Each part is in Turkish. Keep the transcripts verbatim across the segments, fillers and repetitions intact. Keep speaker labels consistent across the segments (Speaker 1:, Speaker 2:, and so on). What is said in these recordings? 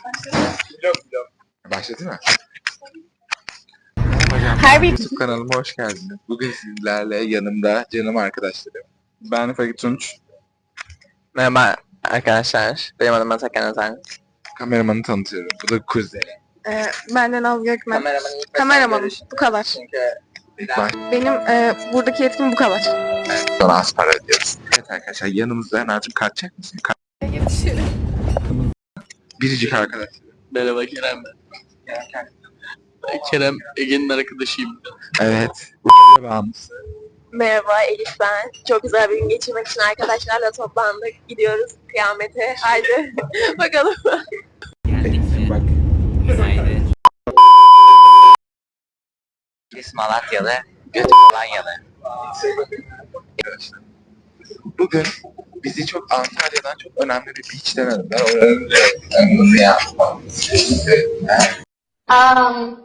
Speaker 1: Başladı mı?
Speaker 2: Her bir
Speaker 1: YouTube kanalıma hoş geldiniz. Bugün sizlerle yanımda canım arkadaşlarım. Ben Fakir Tunç.
Speaker 3: Merhaba arkadaşlar. Benim adım Atakan Özen.
Speaker 1: Kameramanı tanıtıyorum. Bu da kuzeni.
Speaker 2: e, benden Naz Gökmen.
Speaker 3: Kameramanın ilk
Speaker 2: Kameramanım.
Speaker 3: mesajları-
Speaker 2: Bu kadar.
Speaker 3: Çünkü
Speaker 1: İlk baş
Speaker 2: Benim e, buradaki yetkim bu kadar.
Speaker 1: sonra az para ödüyoruz. Evet arkadaşlar yanımızda Nazım kaçacak mısın? Ka Biricik arkadaşlar.
Speaker 4: Merhaba Kerem ben. Ben Kerem Ege'nin arkadaşıyım.
Speaker 1: Evet. Bağımlısı.
Speaker 2: Merhaba Elif ben. Çok güzel bir gün geçirmek için arkadaşlarla toplandık. Gidiyoruz kıyamete. Haydi bakalım.
Speaker 1: Bak.
Speaker 3: Birisi Malatyalı, götü Polonyalı.
Speaker 1: Arkadaşlar. Bugün bizi çok Antalya'dan çok önemli bir beach'ten aradılar. Oranın nasıl ya?
Speaker 2: Um,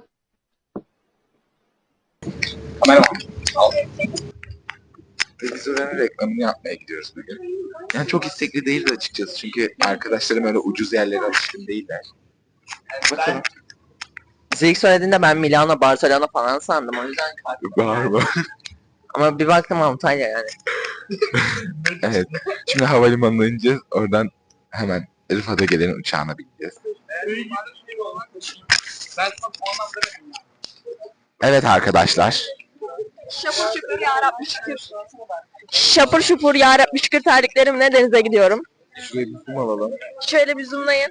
Speaker 1: Kameraman. Al. Ve biz oranın reklamını yapmaya gidiyoruz bugün. Yani çok istekli değiliz açıkçası çünkü arkadaşlarım öyle ucuz yerlere alışkın değiller. Bakalım.
Speaker 3: Bize ilk söylediğinde ben Milano, Barcelona falan sandım. O yüzden
Speaker 1: Var var.
Speaker 3: ama bir baktım Antalya yani.
Speaker 1: Evet. Şimdi havalimanına ineceğiz. Oradan hemen Rıfat'a gelen uçağına bineceğiz. Evet arkadaşlar.
Speaker 2: şapur şupur yarabbi şükür. Şapur şupur yarabbi şükür terliklerimle denize gidiyorum.
Speaker 1: Şuraya bir zoom alalım.
Speaker 2: Şöyle bir zoomlayın.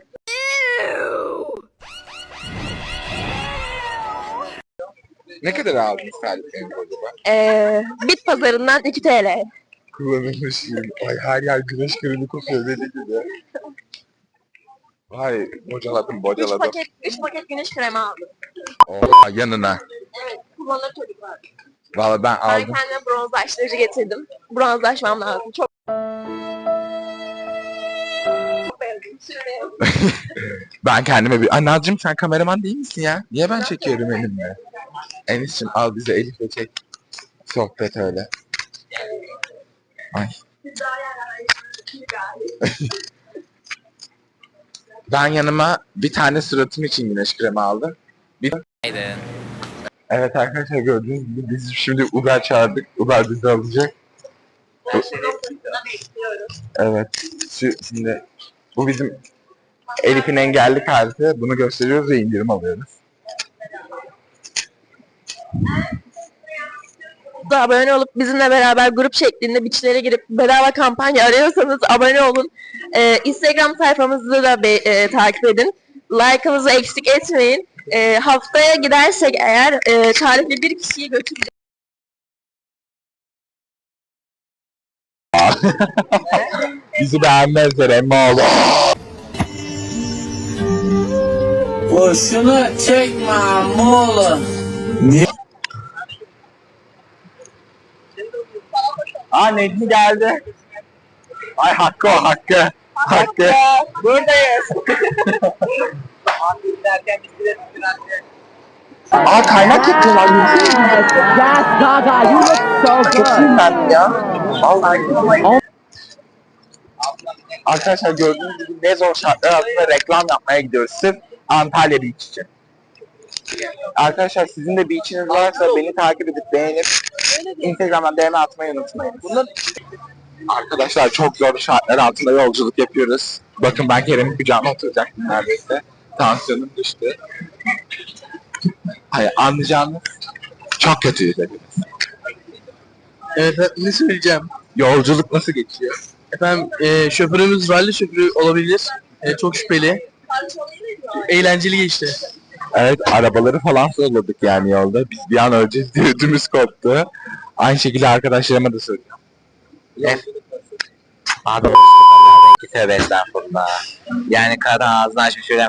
Speaker 1: Ne kadar aldınız terliklerini acaba?
Speaker 2: Ee, bit pazarından iki TL.
Speaker 1: Kullanılmış ürün. Ay her yer güneş kremi kokuyor dedi gibi. Vay bocaladım
Speaker 2: üç
Speaker 1: bocaladım.
Speaker 2: paket, üç paket güneş kremi aldım.
Speaker 1: Oha yanına.
Speaker 2: Evet, kullanır çocuklar.
Speaker 1: Valla ben
Speaker 2: Ben
Speaker 1: aldım.
Speaker 2: kendime bronzlaştırıcı getirdim. Bronzlaşmam lazım. Çok Çok beğendim. Sürüyorum.
Speaker 1: Ben kendime bir... Ay Nazcığım sen kameraman değil misin ya? Niye ben çekiyorum elimle? Enis'cim al bize Elif'le çek. Sohbet öyle. Ay. Ben yanıma bir tane suratım için güneş kremi aldım. Bir... Evet arkadaşlar gördüğünüz gibi biz şimdi Uber çağırdık. Uber bizi alacak.
Speaker 2: Ben şu noktasında bekliyorum.
Speaker 1: Evet. Şu, şimdi bu bizim Elif'in engelli kartı. Bunu gösteriyoruz ve indirim alıyoruz.
Speaker 2: Da abone olup bizimle beraber grup şeklinde biçlere girip bedava kampanya arıyorsanız abone olun. Ee, Instagram sayfamızı da be, e, takip edin. Like'ımızı eksik etmeyin. Ee, haftaya gidersek eğer e, tarifli bir kişiyi götüreceğiz.
Speaker 1: Bizi beğenmezler emmi oğlum.
Speaker 4: Boşuna çekme mola.
Speaker 1: Aa Necmi geldi. Ay Hakkı o Hakkı. Hakkı.
Speaker 2: Buradayız.
Speaker 1: Aa kaynak yapıyorlar.
Speaker 5: Yes, Gaga, you look so good.
Speaker 1: Ben ya. Vallahi. Arkadaşlar gördüğünüz gibi ne zor şartlar altında reklam yapmaya gidiyoruz. Sırf Antalya Beach için. Arkadaşlar sizin de beach'iniz varsa beni takip edip beğenip Instagram'dan D M atmayı unutmayın. Bunun... Arkadaşlar çok zor şartlar altında yolculuk yapıyoruz. Bakın ben Kerem'in kucağına oturacaktım neredeyse. Tansiyonum düştü. Hayır anlayacağınız çok kötüyüz hepimiz.
Speaker 4: Evet ne söyleyeceğim?
Speaker 1: Yolculuk nasıl geçiyor?
Speaker 4: Efendim e, şoförümüz ralli şoförü olabilir. E, çok şüpheli. Eğlenceli geçti.
Speaker 1: Evet arabaları falan solladık yani yolda. Biz bir an öleceğiz diye ödümüz koptu. Aynı şekilde arkadaşlarıma da söylüyorum.
Speaker 3: Ne? Abi o tövbe estağfurullah. Yani kadın ağzını açmış şöyle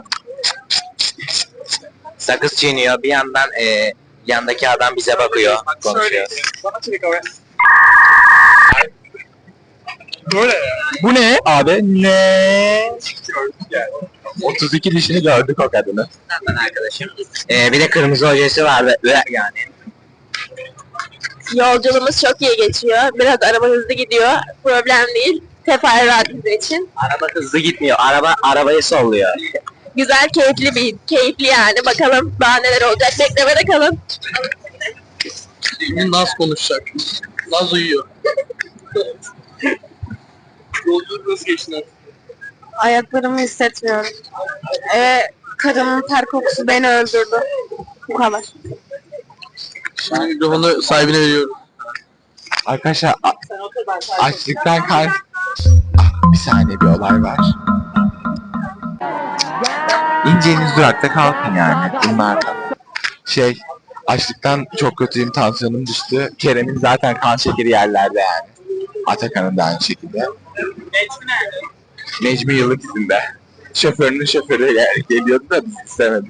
Speaker 3: sakız çiğniyor. Bir yandan e, yandaki adam bize bakıyor. Konuşuyor.
Speaker 1: Bu ne abi? Ne? otuz iki dişini gördük o kadını.
Speaker 3: Ben arkadaşım. E, bir de kırmızı ojesi var ve ve yani.
Speaker 2: Yolculuğumuz çok iyi geçiyor. Biraz araba hızlı gidiyor. Problem değil. Teferruat bizim için.
Speaker 3: Araba hızlı gitmiyor. Araba arabayı solluyor.
Speaker 2: Güzel, keyifli bir, keyifli yani. Bakalım daha neler olacak. Beklemede kalın.
Speaker 4: Şimdi Naz konuşacak. Naz uyuyor. Yolculuk nasıl geçti Naz?
Speaker 2: Ayaklarımı hissetmiyorum. Ee, karımın ter kokusu beni öldürdü. Bu kadar.
Speaker 4: Şimdi mikrofonu sahibine veriyorum.
Speaker 1: Arkadaşlar a- açlıktan kan... Ah, bir saniye bir olay var. İneceğiniz durakta kalkın yani bunlardan. Şey, açlıktan çok kötüyüm, tansiyonum düştü. Kerem'in zaten kan şekeri yerlerde yani. Atakan'ın da aynı şekilde. Necmi yıllık izinde. Şoförünün şoförü gel- geliyordu da biz istemedik.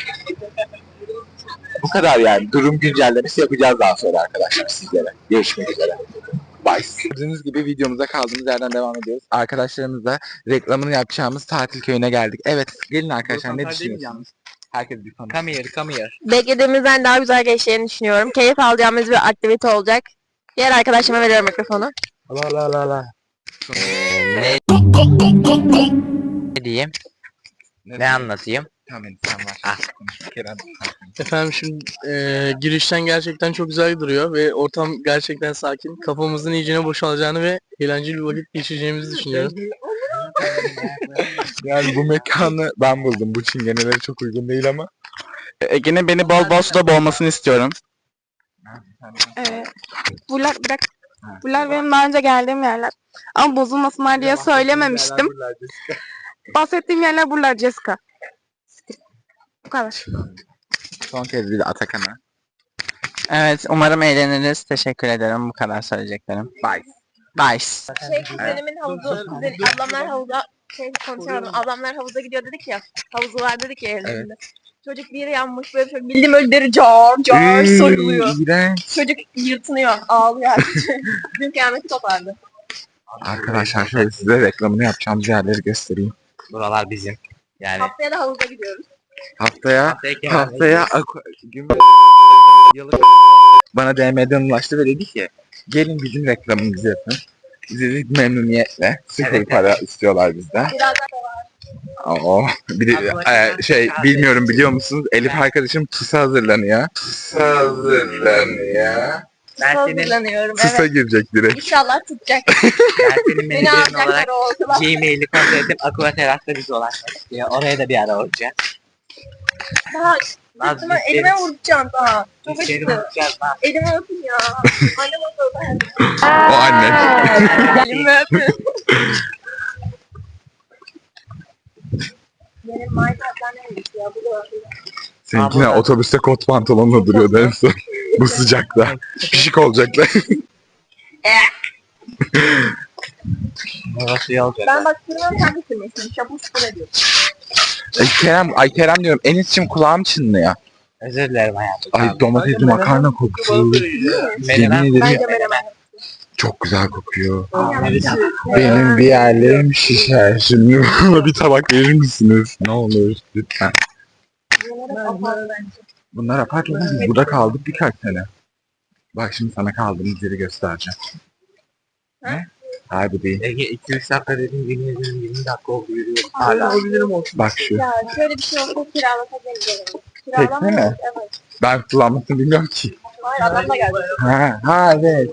Speaker 1: Bu kadar yani. Durum güncellemesi yapacağız daha sonra arkadaşlar sizlere. Görüşmek üzere. Bye. Gördüğünüz gibi videomuza kaldığımız yerden devam ediyoruz. Arkadaşlarımızla reklamını yapacağımız tatil köyüne geldik. Evet, gelin arkadaşlar, ne düşünüyorsunuz? Herkes bir konu.
Speaker 3: Come here, come here.
Speaker 2: Beklediğimizden daha güzel geçeceğini düşünüyorum. Keyif alacağımız bir aktivite olacak. Diğer arkadaşıma veriyorum mikrofonu.
Speaker 1: La la la la.
Speaker 3: Ne ne diyeyim? Ne anlatayım?
Speaker 1: Tamam, sen var.
Speaker 3: Ah.
Speaker 1: Kerem.
Speaker 4: Efendim şimdi e, girişten gerçekten çok güzel duruyor ve ortam gerçekten sakin. Kafamızın iyicene boşalacağını ve eğlenceli bir vakit geçireceğimizi düşünüyorum.
Speaker 1: Yani bu mekanı ben buldum. Bu çingenelere çok uygun değil ama.
Speaker 6: Ege'nin beni bol bol suda boğmasını istiyorum.
Speaker 7: Evet. Buralar bırak. Buralar benim daha önce geldiğim yerler. Ama bozulmasınlar diye söylememiştim. Bahsettiğim yerler buralar Jessica. Bu kadar.
Speaker 1: Son kez bir de Atakan'a.
Speaker 6: Evet, umarım eğleniriz. Teşekkür ederim. Bu kadar söyleyeceklerim.
Speaker 1: Bye.
Speaker 6: Bye.
Speaker 2: Şey, kuzenimin havuzu, kuzen, ablamlar havuza, şey konuşamadım, ablamlar havuza gidiyor dedik ya, havuzu var dedik ya evlerinde. Çocuk bir yere yanmış böyle, böyle bildiğim öyle deri car car soyuluyor.
Speaker 1: İğrenç.
Speaker 2: Çocuk yırtınıyor, ağlıyor. Dün kıyameti kopardı.
Speaker 1: Arkadaşlar şöyle size reklamını yapacağımız yerleri göstereyim.
Speaker 3: Buralar bizim. Yani
Speaker 2: Haftaya da havuza gidiyoruz.
Speaker 1: Haftaya
Speaker 3: haftaya Kerem'le
Speaker 1: haftaya Aqu- gün yıllık bana D M'den ulaştı ve dedi ki gelin bizim reklamımızı yapın. Biz dedik memnuniyetle. Sıfır
Speaker 3: Evet,
Speaker 1: para istiyorlar bizden.
Speaker 2: Birazdan
Speaker 1: Oo, bir de e, şey bilmiyorum biliyor musunuz? Elif arkadaşım TUS'a hazırlanıyor. TUS'a hazırlanıyor.
Speaker 3: ben senin,
Speaker 2: hazırlanıyorum,
Speaker 1: TUS'a
Speaker 2: evet.
Speaker 1: girecek direkt.
Speaker 2: İnşallah tutacak.
Speaker 3: ben senin
Speaker 2: Beni
Speaker 3: menajerin olarak
Speaker 2: alacaklar o okula.
Speaker 3: Gmail'i kontrol edip Aqua Teras'ta bizi ulaşmak istiyor. Oraya da bir ara olacak.
Speaker 2: Daha
Speaker 3: Naz,
Speaker 2: Sırtıma,
Speaker 3: biz
Speaker 2: elime
Speaker 3: seni-
Speaker 2: vuracağım daha. Çok
Speaker 3: biz seni
Speaker 2: acıdı.
Speaker 3: unutacağız lan.
Speaker 2: Elime öpün ya. Annem oturdu.
Speaker 1: O anne.
Speaker 2: Elime öpün. Benim Minecraft'tan neymiş ya bu da.
Speaker 1: Seninkine
Speaker 3: Abla.
Speaker 1: otobüste kot pantolonla duruyordu en son. Bu sıcakta. Pişik olacaklar.
Speaker 3: Orası iyi olacak.
Speaker 2: Ben bak sürmem sen de sürmesin. Şapur şupur ediyor.
Speaker 1: Ay Kerem, ay Kerem diyorum. Enis'cim kulağım çınlıyor.
Speaker 3: Özür dilerim hayatım.
Speaker 1: Ay domatesli makarna kokusu.
Speaker 3: Menemen.
Speaker 1: Yemin ederim
Speaker 2: Bence menemen.
Speaker 1: çok güzel kokuyor. Benim bir yerlerim şişer. Şimdi bana bir tabak verir misiniz? Ne olur lütfen. Bunlar apartmanı biz burada kaldık birkaç sene. Bak şimdi sana kaldığımız yeri göstereceğim. Ne? Hayır bu değil.
Speaker 3: Ege iki üç dakika dedim, yemin ederim yirmi dakika oldu yürüyorum. Hala.
Speaker 1: Bak şu.
Speaker 2: Ya şöyle bir şey olsa kiralatabilirim.
Speaker 1: Tekne mi?
Speaker 2: Kiralamıyoruz, evet.
Speaker 1: Ben kullanmasını bilmiyorum ki.
Speaker 2: Hayır adam da geldi.
Speaker 1: Ha, ha evet.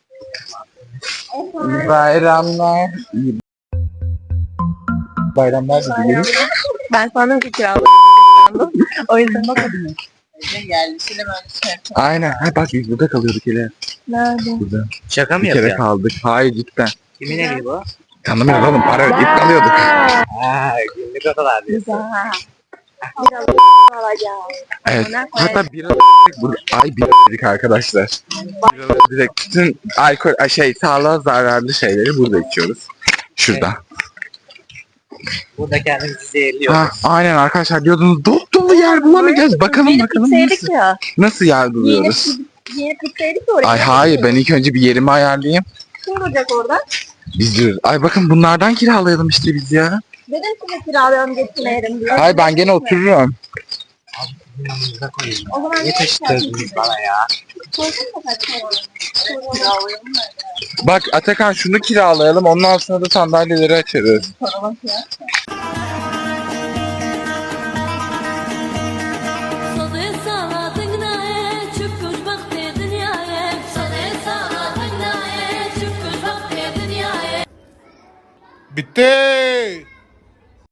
Speaker 1: İyi bayramlar. İyi bayramlar da dilerim.
Speaker 2: Ben sandım ki kiraladım. O yüzden bakmadım.
Speaker 7: Geldi. Şimdi böyle şey.
Speaker 1: Aynen. Ha bak biz burada kalıyorduk hele.
Speaker 2: Nerede?
Speaker 1: Burada.
Speaker 3: Şaka mı
Speaker 1: Bir kere
Speaker 3: yapıyorsun?
Speaker 1: kaldık. Hayır cidden.
Speaker 3: Kimin evi bu?
Speaker 1: Tanımıyorum oğlum. Para ödeyip kalıyorduk.
Speaker 3: Haa günlük odalar diyorsun.
Speaker 2: Güzel. Biraz alacağım.
Speaker 1: Evet.
Speaker 2: Ona
Speaker 1: Hatta bir burada ay bir dedik arkadaşlar. Biraları direkt bütün alkol ay, şey sağlığa zararlı şeyleri burada içiyoruz. Şurada.
Speaker 3: Burada kendimizi zehirliyoruz.
Speaker 1: Ha, aynen arkadaşlar diyordunuz dop dolu yer bulamayacağız. Bakalım
Speaker 2: Yeni
Speaker 1: bakalım
Speaker 2: pizzaydık
Speaker 1: nasıl,
Speaker 2: ya.
Speaker 1: nasıl yer
Speaker 2: Yeni,
Speaker 1: buluyoruz.
Speaker 2: yeni pizzaydık ya oraya.
Speaker 1: Ay hayır ben ilk önce bir yerimi ayarlayayım.
Speaker 2: Kim duracak orada?
Speaker 1: Biz diyoruz. Ay bakın bunlardan kiralayalım işte biz ya.
Speaker 2: Dedim size kiralayalım getirelim diye.
Speaker 1: Ay ben gene otururum.
Speaker 3: Yanımıza koyayım.
Speaker 2: O zaman
Speaker 3: Ne
Speaker 2: ne
Speaker 3: taşıttırdınız bana ya?
Speaker 2: Sorsana kaç para var? Kiralayalım mı?
Speaker 1: Bak Atakan şunu kiralayalım ondan sonra da sandalyeleri açarız.
Speaker 2: Para bak ya.
Speaker 8: Bitti.